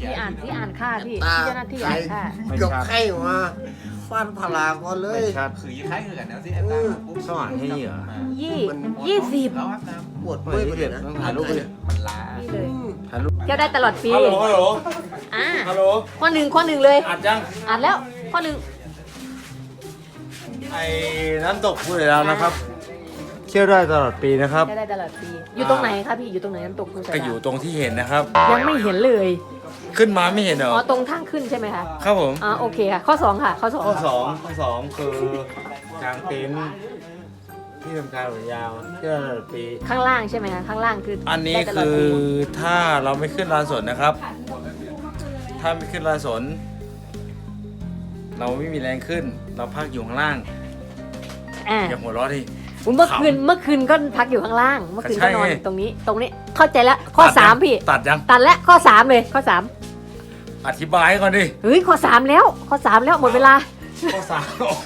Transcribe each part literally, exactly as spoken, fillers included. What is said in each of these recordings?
พี่อ่านพี่อ่านค่าพี่ตาพี่เจ้าหน้าที่ไก่อ่านค่าเกือบไข้มาฟันพลาก่อนเลยไม่ชัดคือยี่ไข่คือกันแล้วสิแอนตาปุ๊บสว่างให้เหรอยี่มันยี่สิบแล้วครับน้ปวดเมื่อยไปเลยนะต้องถ่ายรูปไปเลยำมันล้านี่เลยถ่ายรูปเที่ยวได้ตลอดปีฮัลโหลฮัลโหลอ่าฮัลโหลข้อหนึ่งข้อหนึ่งเลยอัดยังอ่านแล้วข้อหนึ่งไอ้น้ำตกพูดแล้วนะครับเที่ยวได้ตลอดปีนะครับเที่ยวได้ตลอดปีอยู่ตรงไหนคะพี่อยู่ตรงไหนน้ำตกภูสะก็ดาอยู่ตรงที่เห็นนะครับยังไม่เห็นเลยขึ้นมาไม่เห็นเหรออ๋อตรงทางขึ้นใช่ไหมคะครับผมอ่าโอเคค่ะข้อสองค่ะข้อสองข้อสองข้อสองคือกางเต็นท์ที่ทำการหัวยาวเที่ยวได้ตลอดปีข้างล่างใช่ไหมคะข้างล่างคืออัอันนี้คือถ้าเราไม่ขึ้นลานสนนะครับ ถ้าไม่ขึ้นลานสน เราไม่มีแรงขึ้น เราพักอยู่ข้างล่างอ่าอย่าหัวเราะดิเมื่อคืนเมื่อคืนก็พักอยู่ข้างล่าง เมื่อคืนก็นอนใช่ไงตรงนี้ตรงนี้เข้าใจแล้วข้อตัดยังสามพี่ตัดยังตัดแล้วข้อสามเลยข้อสามอธิบายก่อนดิเฮ้ยข้อสามแล้วข้อสามแล้วหมดเวลาข้อสาม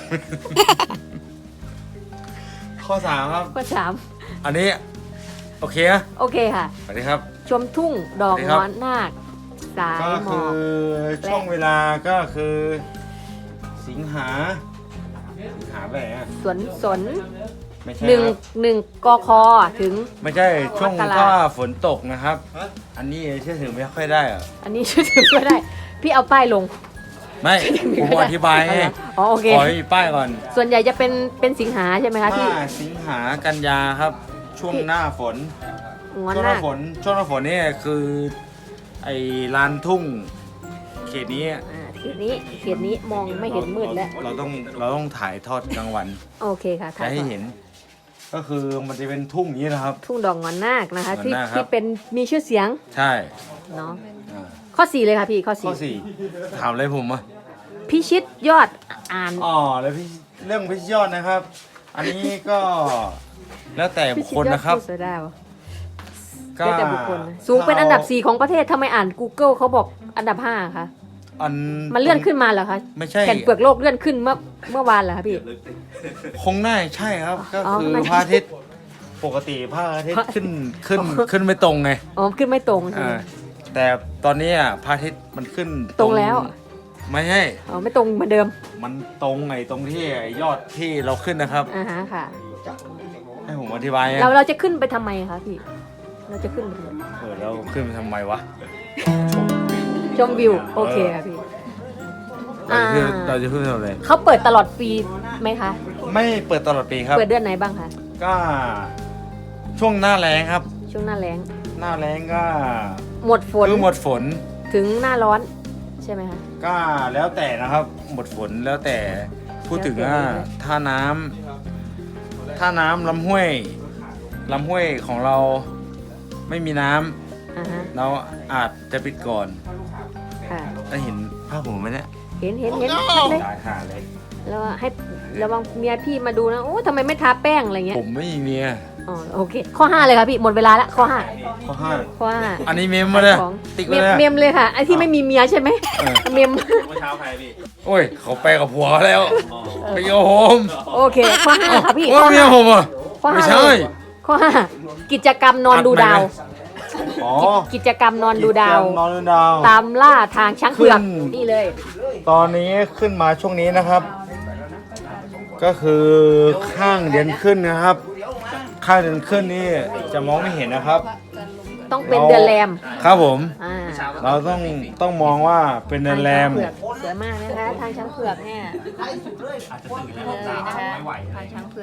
ข้อสามครับข้อสามอันนี้ โอเคนะโอเคค่ะสวัสดีครับชมทุ่งดอกสวัสดีครับงอนนาคสายก็หมคืออกช่วงเวลาก็คือ สิงหา สิงหาไปไหนอะสวนสนไม่ใช่หนึ่งครับหนึ่งกคถึงไม่ใช่ช่วงมกราถ้าฝนตกนะครับ อันนี้เชื่อถือไม่ค่อยได้อะอันนี้ช่วยถือก็ได้ พี่เอาป้ายลงไม่ ผมอธิบายให้อ๋อโอเคขอให้มีป้ายก่อนส่วนใหญ่จะเป็นเป็นสิงหาใช่ไหมคะพี่ถ้าสิงหากันยาครับ ช่วงพี่หน้าฝนงอนช่วงหนาน้าคฝนช่วงหน้าฝนนี่คือไอ้ลานทุ่งเขตนี้อ่าเขตนี้เขตนี้มองไม่เห็นมืดแล้วเราต้องเราต้องถ่ายทอดกลางวันโอเคค่ะถ่าจะยให้ก่อนเห็น ก็คือมันจะเป็นทุ่งอย่างนี้นะครับทุ่งดอกงอนนาคนะคะงอนที่นาคครับที่เป็นมีชื่อเสียงใช่เนาะอ่าข้อสี่เลยค่ะพี่ข้อข้อสี่สี่ถามอะไรผมอ่ะพิชิตยอดอ่านอ๋อแล้วพี่เรื่องพิชยอดนะครับ อันนี้ก็แล้วแต่บุพิคชิคตลยอดนะครับผู้เสือดาวก็แล้วแต่บุคคลนะสูงเป็นอันดับสี่ของประเทศทำไมอ่าน Google เขาบอกอันดับห้าคะอันมันเลื่อนขึ้นมาเหรอคะไม่ใช่แผ่นเปลือกโลกเลื่อนขึ้นเมื่อเมื่อวานเหรอคะพี่คงน่าใช่ครับ ก็อ๋อคือไม่พระอาทิตย์ปกติพระอาทิตย์ขึ้นขึ้นขึ้นไม่ตรงไงอ๋อขึ้นไม่ตรงใช่ไหมอ่าแต่ตอนนี้อ่ะพระอาทิตย์มันขึ้นตรงแล้วไม่ใช่อ๋อไม่ตรงเหมือนเดิมมันตรงไงตรงที่ไอ้ยอดที่เราขึ้นนะครับอ่าฮะค่ะให้ผมอธิบายนะเราเราจะขึ้นไปทำไมคะพี่ เราจะขึ้นไปทำไมเออเราขึ้นไปทำไมวะชมวิวโอเคค่ะพี่เราจะขึ้นอ่าเราจะขึ้นไปทำอะไรเขาเปิดตลอดปีไหมคะไม่เปิดตลอดปีครับเปิดเดือนไหนบ้างคะก็ช่วงหน้าแล้งครับช่วงหน้าแล้งหน้าแล้งก็หมดฝนคือหมดฝนถึงหน้าร้อนใช่ไหมคะก็แล้วแต่นะครับ หมดฝนแล้วแต่พูดถึงว่าแล้วแต่ถ้าน้ำถ้าน้ำลำห้วยลำห้วยของเราไม่มีน้ำอ่าฮะเราอาจจะปิดก่อนค่ะได้เห็นภาพผมไหมเนี่ยเห็นเห็นเห็นชัดเลยตายห่าเลยแล้วให้ระวังเมียพี่มาดูนะโอ้ทำไมไม่ทาแป้งอะไรเงี้ยผมไม่มีเมียอ๋อโอเค ข้อห้าเลยค่ะพี่หมดเวลาละข้อห้าข้อห้าข้อห้าอันนี้เมมมาเลยของติ๊กเมเลยมนะเมมเลยค่ะไอ้ที่ไม่มีเมียใช่ไหมเออเมมเมื่อเช้าใครพี่โอ้ยเขาไปกับผัวเขาแล้วไปกับผมโอเคข้อห้าค่ะพี่โอ้ยข้อเมียห้าผมอ่ะข้อไม่ห้าใช่เลยข้อห้ากิจกรรมนอนดูดาวอ๋อกิจกรรมนอนดูดาวนอนดูดาวตามล่าทางช้างเผือกขึ้นนี่เลยตอนนี้ขึ้นมาช่วงนี้นะครับ ก็คือข้างเดือนขึ้นนะครับ ข้างเดือนขึ้นนี่จะมองไม่เห็นนะครับต้องเป็นเดือนแรมครับผมอ่าเราต้องต้องมองว่าเป็นเดือนแรมทางช้างเผือกสวยมากนะคะทางช้างเผือกเนี่ยอาจจะตื่นเลแล้วยหนาวนะคะไม่ไหวทางช้างเผือก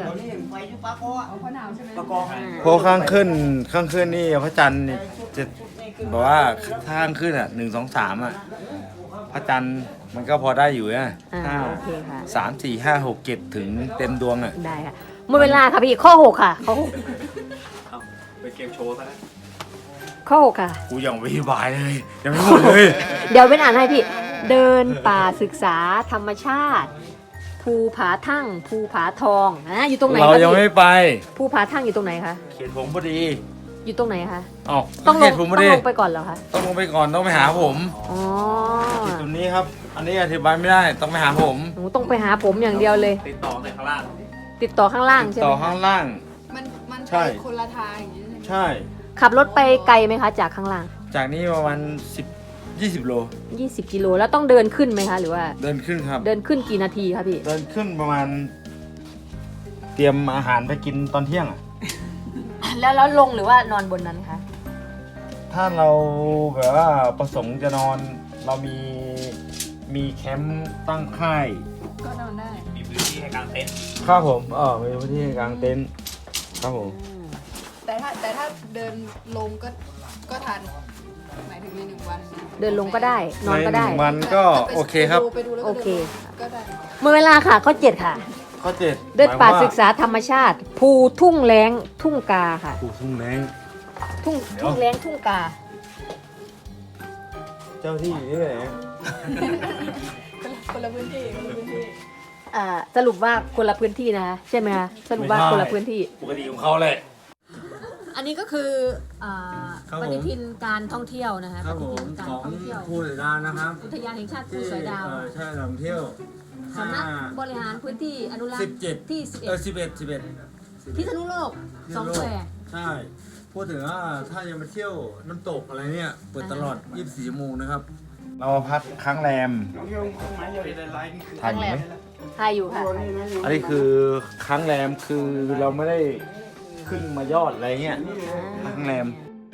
เพราะข้างขึ้นข้างขึ้นนี่พระจันทร์นี่จะบอกว่าข้างขึ้นอ่ะหนึ่งสองสามอ่ะพระจันทร์มันก็พอได้อยู่นะอ่าถ้าโอเคค่ะสามสี่ห้าหกเจ็ดถึงเต็มดวงอ่ะได้ค่ะหมดเวลาค่ะพี่ข้อหกค่ะข้อหกเป็นเกมโชว์ซะแล้วข้อหกค่ะกูยังไม่อธิบายเลยยังไม่หมดเลยเดี๋ยวเป็นอ่านให้พี่ เดินป่าศึกษาธรรมชาติ ภูผาทั่ง ภูผาทองอ่ะอยู่ตรงไหนเราคะยังพี่ไม่ไปภูผาทั่งอยู่ตรงไหนคะเขียนผมพอดีอยู่ตรงไหนคะเอ้าต้องลเขียงนผมต้พออง ดีลงไปก่อนเหรอคะต้องลงไปก่อนต้องไปหาผมอ๋อตรงนี้ครับ อันนี้อธิบายไม่ได้ต้องไปหาผมหนูต้องไปหาผมอย่างเดียวเลยติดต่อในข้างล่างติดต่อข้างล่างใช่ไหต่มอข้างล่างมันมันใช่ไปคนละทางอย่างนี้ใช่ไหมใช่ขับรถไปไกลไหมคะ จากข้างล่างจากนี้ประมาณสิบยี่สิบโลยี่สิบกิโลแล้วต้องเดินขึ้นไหมคะหรือว่าเดินขึ้นครับเดินขึ้นกี่นาทีคะพี่เดินขึ้นประมาณ เตรียมอาหารไปกินตอนเที่ยงอ่ะแล้วแล้วลงหรือว่านอนบนนั้นคะถ้าเราแบบว่าประสงค์จะนอนเรามีมีแคมป์ตั้งค่ายก็นอนได้มีพื้นที่ให้กางเต็นท์ครับผมเออมีพื้นที่ให้กางเต็นท์ครับผมแต่ถ้าแต่ถ้าเดินลงก็ก็ทันหมายถึงในหนึ่งวันเดินลงก็ได้ นอนก็ได้ในหนึ่งวันก็โอเคครับไปดูแล้วโอก็เคเดินลงก็ได้หมดเวลาค่ะข้อเจ็ดค่ะข้อเจ็ดเดินป่าหมยว่ศึกษาธรรมชาติ ภูทุ่งแล้งทุ่งกาค่ะปลูกทุ่งแรงทุ่งเดี๋ยวทุ่งแล้งทุ่งกาเจ้าที่อยู่ที่ไหนคนละพื้นที่คนละพื้นที่อ่าสรุปว่าคนละพื้นที่นะคะใช่ไหมคะสรุปว่าคนละพื้นที่ปกติของเขาเลยอันนี้ก็คืออ่าครับปผมฏิทินการท่องเที่ยวนะคะครับปผฏิทิมนการของท่องเที่ยวภูสอยดาวนะครับอุทยานแห่งชาติภูที่สอยดาวเออใช่ท่องเที่ยวสำนักบริหารพื้นที่อนุรักษ์สิบเจ็ดที่เออสิบเอ็ดสิบเอ็ด 11พิษณุโลกสองแควร์ใช่ พูดถึงว่าถ้ายังมาเที่ยวน้ำตกอะไรเนี่ย เปิดตลอด ยี่สิบสี่ ชั่วโมงนะครับ เราพักค้างแรมถ่ายอยู่ไหมทายอยู่ค่ะอันนี้คือค้างแรมคือเราไม่ได้ขึ้นมายอดอะไรเงี้ยค้างแรม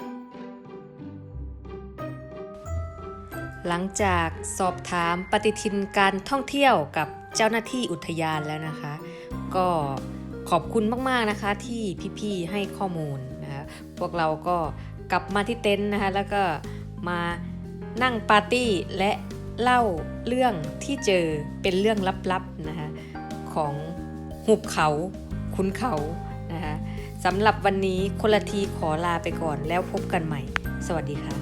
หลังจากสอบถามปฏิทินการท่องเที่ยวกับเจ้าหน้าที่อุทยานแล้วนะคะ ก็ขอบคุณมากๆนะคะที่พี่ๆให้ข้อมูลนะคะพวกเราก็กลับมาที่เต็นท์นะคะแล้วก็มานั่งปาร์ตี้และเล่าเรื่องที่เจอเป็นเรื่องลับๆนะคะของหุบเขาขุนเขานะคะสำหรับวันนี้คนละทีขอลาไปก่อนแล้วพบกันใหม่ สวัสดีค่ะ